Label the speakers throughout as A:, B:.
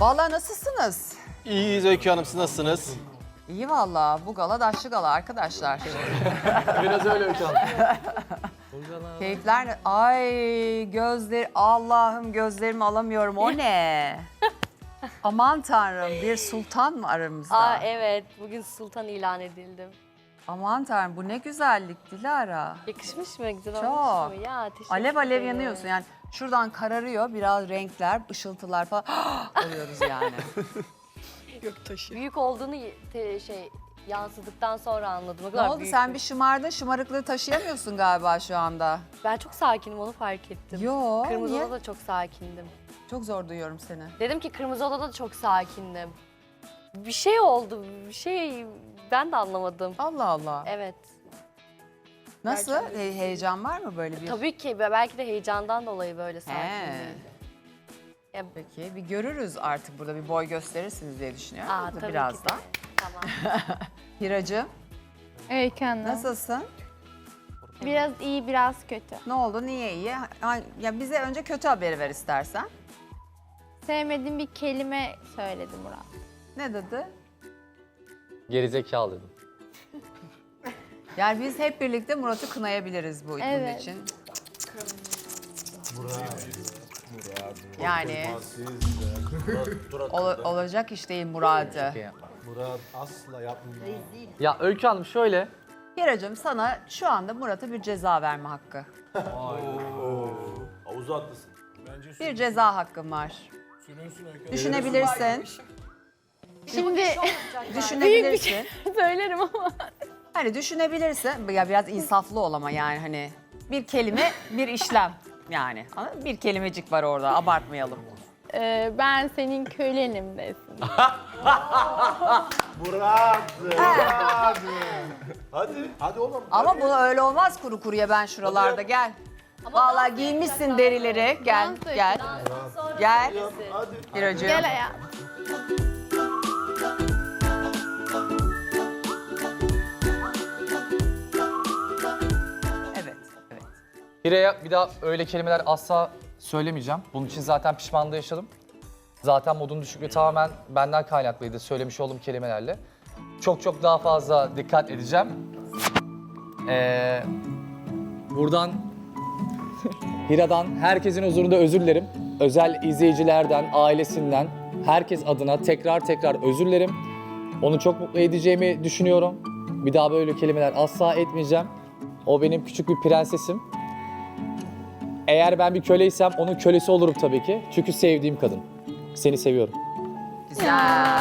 A: Vallahi nasılsınız?
B: İyiyiz Öykü Hanım, siz nasılsınız?
A: İyi vallahi. Bu gala daşlı gala arkadaşlar.
B: Biraz öyle Öykü Hanım.
A: Keyifler ne? Ay gözler, Allah'ım gözlerimi alamıyorum. O ne? Aman tanrım, bir sultan mı aramızda?
C: Aa evet, bugün sultan ilan edildim.
A: Aman tanrım, bu ne güzellik Dilara.
C: Yakışmış mı? Güzel
A: Çok.
C: olmuş mu? Ya teşekkür
A: Alev alev
C: ederim.
A: yanıyorsun yani. Şuradan kararıyor biraz renkler, ışıltılar falan. Oluyoruz yani.
C: Büyük olduğunu yansıdıktan sonra anladım. O
A: Ne
C: kadar
A: oldu
C: büyük
A: sen bir şımardın, şımarıklığı taşıyamıyorsun galiba şu anda.
C: Ben çok sakinim, onu fark ettim.
A: Yo,
C: Kırmızı
A: niye?
C: Oda'da çok sakindim.
A: Çok zor duyuyorum seni.
C: Dedim ki Kırmızı Oda'da da çok sakindim. Bir şey oldu, bir şey ben de anlamadım.
A: Allah Allah.
C: Evet.
A: Nasıl?
C: gerçekten.
A: Heyecan var mı böyle bir?
C: Tabii ki belki de heyecandan dolayı böyle
A: He.
C: sakindim. Ya,
A: Peki bir görürüz artık burada bir boy gösterirsiniz diye düşünüyorum.
C: aa, tabii ki de.
A: Birazdan.
C: Tamam.
A: Hiracığım
D: Öykü Hanım.
A: nasılsın?
D: Biraz iyi, biraz kötü.
A: Ne oldu? Niye iyi? Ya bize önce kötü haberi ver istersen.
D: Sevmediğim bir kelime söyledi Murat.
A: Ne dedi?
E: Gerizekalı dedim.
A: Yani biz hep birlikte Murat'ı kınayabiliriz bunun
D: Evet.
A: için. Yani olacak iş değil Murat'ı.
B: Murat asla yapmıyor.
E: Ya Öykü Hanım şöyle,
A: Hiracığım sana şu anda Murat'a bir ceza verme hakkı.
B: Havuza atlasın.
A: Bir ceza hakkın var. Düşünebilirsin.
D: Şimdi
A: Düşünebilirsin.
D: söylerim ama.
A: Hani düşünebilirsin. Ya biraz insaflı ol ama yani hani bir kelime, bir işlem yani. Anladın mı? Bir kelimecik var orada. Abartmayalım.
D: Ben senin kölenim desin.
B: Murat! Hadi oğlum.
A: Ama bu öyle olmaz kuru kuruya ben şuralarda gel. Vallahi giymişsin derileri. Gel,
D: Dans
A: gel. Gel.
B: Hadi.
A: Hiracığım.
D: Gel ayağa.
A: Evet, evet.
E: Hira'ya bir daha öyle kelimeler asla söylemeyeceğim. Bunun için zaten pişmanlığı yaşadım. Zaten modun düşüklüğü tamamen benden kaynaklıydı söylemiş olduğum kelimelerle. Çok daha fazla dikkat edeceğim. Buradan Hira'dan herkesin huzurunda özür dilerim. Özel izleyicilerden, ailesinden, herkes adına tekrar özür dilerim. Onu çok mutlu edeceğimi düşünüyorum. Bir daha böyle kelimeler asla etmeyeceğim. O benim küçük bir prensesim. Eğer ben bir köleysem onun kölesi olurum tabii ki. Çünkü sevdiğim kadın. Seni seviyorum.
A: Güzel.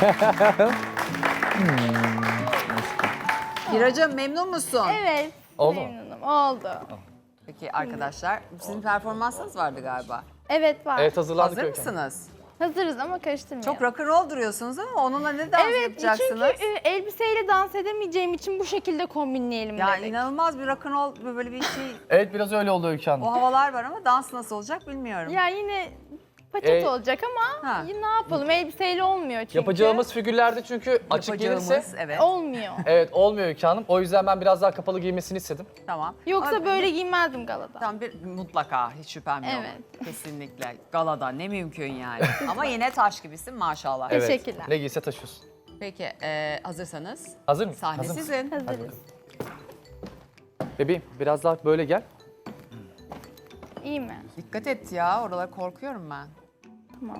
A: Hiracığım memnun musun?
D: Evet.
E: Oldu mu?
D: Memnunum. Oldu.
A: Peki arkadaşlar, sizin performansınız vardı galiba.
D: Evet var.
E: Evet hazırlandık.
A: Hazır
E: Öykü Hanım.
A: mısınız?
D: Hazırız ama karıştırmayalım.
A: Çok rock'n'roll duruyorsunuz ama onunla ne dans
D: Evet
A: yapacaksınız?
D: çünkü elbiseyle dans edemeyeceğim için bu şekilde kombinleyelim
A: Ya
D: dedik.
A: inanılmaz bir rock'n'roll böyle bir şey.
E: Evet biraz öyle oldu Öykü Hanım.
A: O havalar var ama dans nasıl olacak bilmiyorum.
D: Ya yine paçet olacak ama
A: Ha.
D: ne yapalım elbiseyle olmuyor çünkü.
E: Yapacağımız figürlerde çünkü açık gelirse
A: Yapacağımız, evet.
D: Olmuyor.
E: evet olmuyor Öykü Hanım. O yüzden ben biraz daha kapalı giymesini istedim.
A: Tamam.
D: Yoksa
A: Ama-
D: böyle giymezdim galada.
A: Tamam bir mutlaka hiç şüphem yok.
D: Evet.
A: Kesinlikle. Galada ne mümkün yani. Ama yine taş gibisin maşallah.
D: Evet.
E: Evet.
D: Teşekkürler.
E: Ne giyse taşıyorsun.
A: Peki hazırsanız
E: Hazır mısın?
A: sahne
E: Hazır mısın?
A: sizin.
D: Hazırız.
E: Bebeğim biraz daha böyle gel.
D: İyi mi?
A: Dikkat et ya oralara korkuyorum ben.
D: Tamam.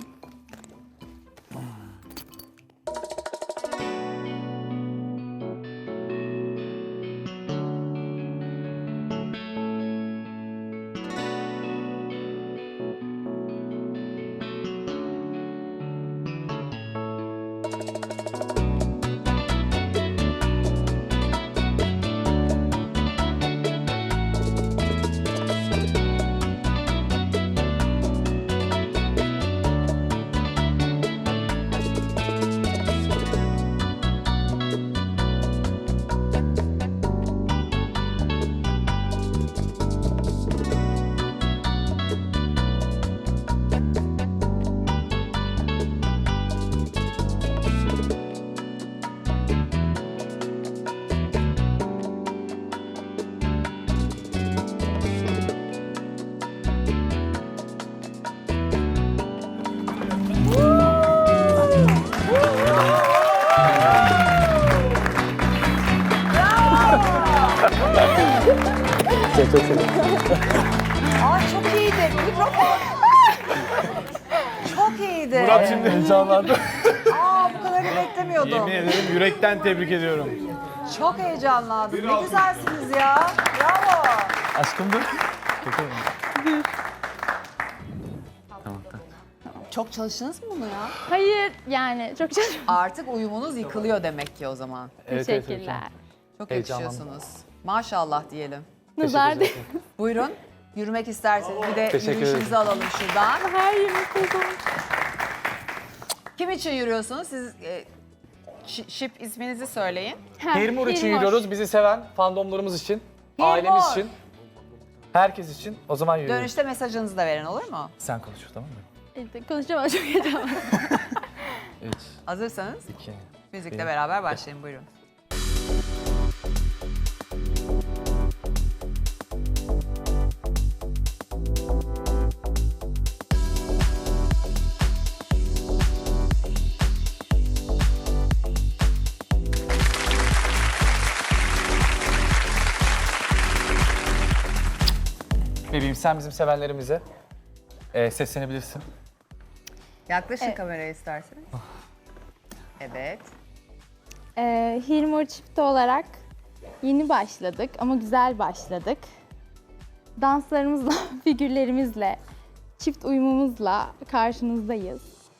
E: Çok seviyorum.
A: Aa çok iyiydi. Mikrofon. Çok iyiydi.
B: Murat şimdi heyecanlandı.
A: Aa bu kadarını beklemiyordum.
B: Yemin ederim yürekten tebrik ediyorum.
A: Çok heyecanlandım. Ne güzelsiniz ya. Bravo.
E: Aşkım dur.
A: Çok çalıştınız mı bunu ya?
D: Hayır yani çok
A: Artık uyumunuz yıkılıyor demek ki o zaman.
D: teşekkürler.
A: Çok
E: Heyecanlandım.
A: yakışıyorsunuz. Maşallah diyelim.
D: Nazar değil.
A: Buyurun. Yürümek isterseniz bir de
E: Teşekkür
A: yürüyüşünüzü
E: ederim.
A: alalım şuradan.
D: Her yerimiz kızım.
A: Kim için yürüyorsunuz? Siz şip isminizi söyleyin.
E: Hirmur için
D: Hilmur.
E: yürüyoruz. Bizi seven fandomlarımız için,
A: Hilmur.
E: ailemiz için, herkes için. O zaman yürüyoruz.
A: Dönüşte mesajınızı da verin olur mu?
E: Sen konuş tamam mı?
D: Konuşamam çok heyecanlı.
E: 3,
A: Hazırsanız
E: 2,
A: müzikle
E: Bir.
A: beraber başlayın buyurun.
E: Bebeğim sen bizim sevenlerimize seslenebilirsin.
A: Yaklaşın
D: Evet.
A: kameraya isterseniz. Evet.
D: Hilmur çifti olarak yeni başladık ama güzel başladık. Danslarımızla, figürlerimizle, çift uyumumuzla karşınızdayız.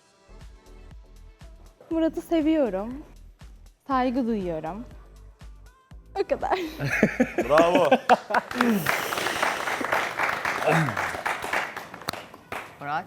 D: Murat'ı seviyorum. Saygı duyuyorum. O kadar.
B: Bravo.
A: Murat.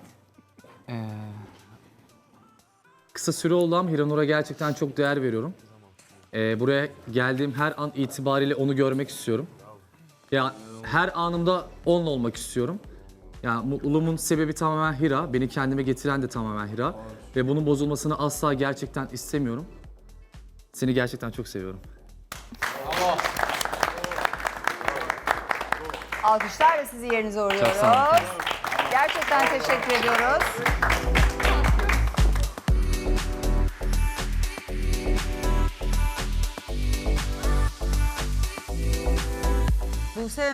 E: Kısa süre oldu ama Hiranur'a gerçekten çok değer veriyorum. Buraya geldiğim her an itibariyle onu görmek istiyorum. Ya her anımda onunla olmak istiyorum. Ya mutluluğumun sebebi tamamen Hira, beni kendime getiren de tamamen Hira ve bunun bozulmasını asla gerçekten istemiyorum. Seni gerçekten çok seviyorum.
A: Alkışlarla sizi yerinize uğurluyoruz.
E: Çok sağ olun.
A: Gerçekten teşekkür ediyoruz. Buse